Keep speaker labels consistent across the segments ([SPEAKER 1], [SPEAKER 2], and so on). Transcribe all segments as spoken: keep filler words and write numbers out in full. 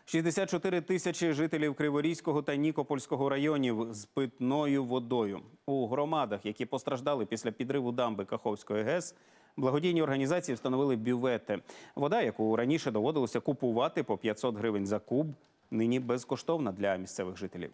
[SPEAKER 1] шістдесят чотири тисячі жителів Криворізького та Нікопольського районів з питною водою. У громадах, які постраждали після підриву дамби Каховської ГЕС, благодійні організації встановили бювети. Вода, яку раніше доводилося купувати по п'ятсот гривень за куб, нині безкоштовна для місцевих жителів.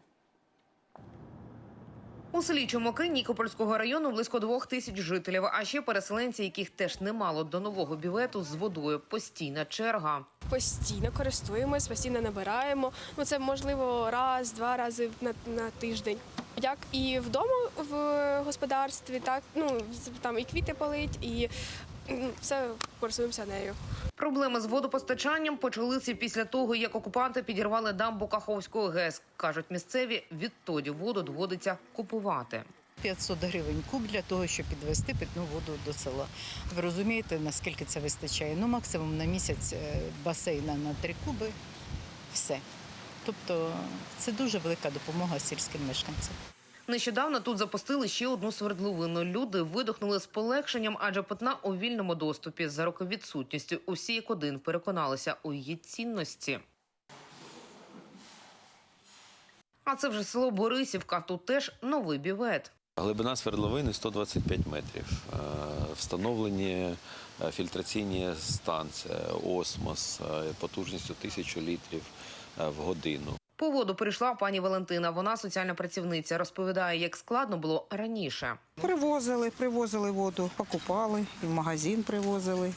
[SPEAKER 2] У селі Чумаки Нікопольського району близько двох тисяч жителів, а ще переселенці, яких теж немало до нового бювету з водою. Постійна черга.
[SPEAKER 3] Постійно користуємось, постійно набираємо. Ну, це, можливо, раз, два рази на, на тиждень. Як і вдома в господарстві, так, ну, там і квіти полить, і ну, все користуємося нею.
[SPEAKER 2] Проблеми з водопостачанням почалися після того, як окупанти підірвали дамбу Каховської ГЕС. Кажуть місцеві, відтоді воду доводиться купувати.
[SPEAKER 4] п'ятсот гривень куб для того, щоб підвести питну воду до села. Ви розумієте, наскільки це вистачає? Ну, максимум на місяць басейна на три куби – все. Тобто це дуже велика допомога сільським мешканцям.
[SPEAKER 2] Нещодавно тут запустили ще одну свердловину. Люди видихнули з полегшенням, адже питна у вільному доступі. За роки відсутності усі як один переконалися у її цінності. А це вже село Борисівка. Тут теж новий бювет.
[SPEAKER 5] Глибина свердловини сто двадцять п'ять метрів. Встановлені фільтраційні станції, осмос потужністю тисячу літрів в годину.
[SPEAKER 2] По воду прийшла пані Валентина. Вона соціальна працівниця. Розповідає, як складно було раніше.
[SPEAKER 6] Привозили, привозили воду, покупали, і в магазин привозили.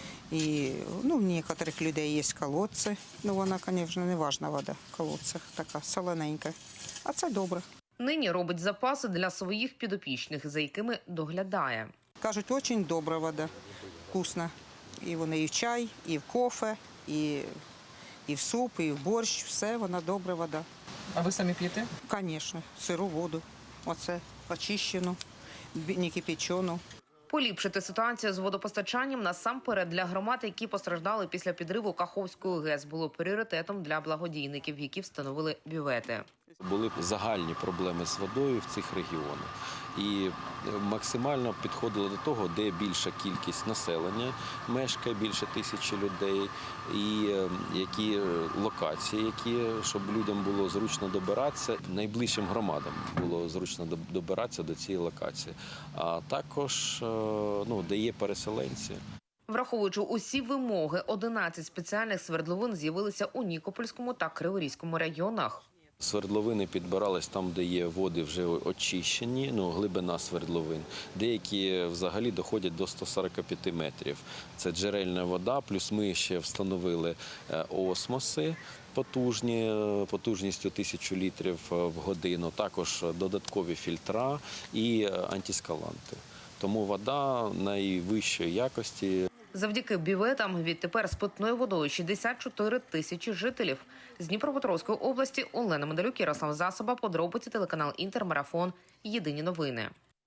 [SPEAKER 6] І ну, в деяких людей є колодці. Ну, вона, звісно, не важна вода в колодцях, така солоненька. А це добре.
[SPEAKER 2] Нині робить запаси для своїх підопічних, за якими доглядає.
[SPEAKER 6] Кажуть, дуже добра вода, вкусна. І вони і в чай, і в кофе, і, і в суп, і в борщ. Все, вона добра вода.
[SPEAKER 7] А ви самі п'єте?
[SPEAKER 6] Звісно, сиру воду. Оце очищену, не кипячену.
[SPEAKER 2] Поліпшити ситуацію з водопостачанням насамперед для громад, які постраждали після підриву Каховської ГЕС, було пріоритетом для благодійників, які встановили бювети.
[SPEAKER 5] Були загальні проблеми з водою в цих регіонах. І максимально підходило до того, де більша кількість населення мешкає, більше тисячі людей, і які локації, які, щоб людям було зручно добиратися, найближчим громадам було зручно добиратися до цієї локації. А також, ну, де є переселенці.
[SPEAKER 2] Враховуючи усі вимоги, одинадцять спеціальних свердловин з'явилися у Нікопольському та Криворізькому районах.
[SPEAKER 5] Свердловини підбирались там, де є води вже очищені, ну, глибина свердловин. Деякі взагалі доходять до ста сорока п'яти метрів. Це джерельна вода, плюс ми ще встановили осмоси потужні, потужністю тисячу літрів в годину, також додаткові фільтра і антискаланти. Тому вода найвищої якості.
[SPEAKER 2] Завдяки бюветам відтепер з питною водою шістдесят чотири тисячі жителів. З Дніпропетровської області Олена Медалюк, Ярослав Засоба, подробиці, телеканал Інтер, Марафон, Єдині новини.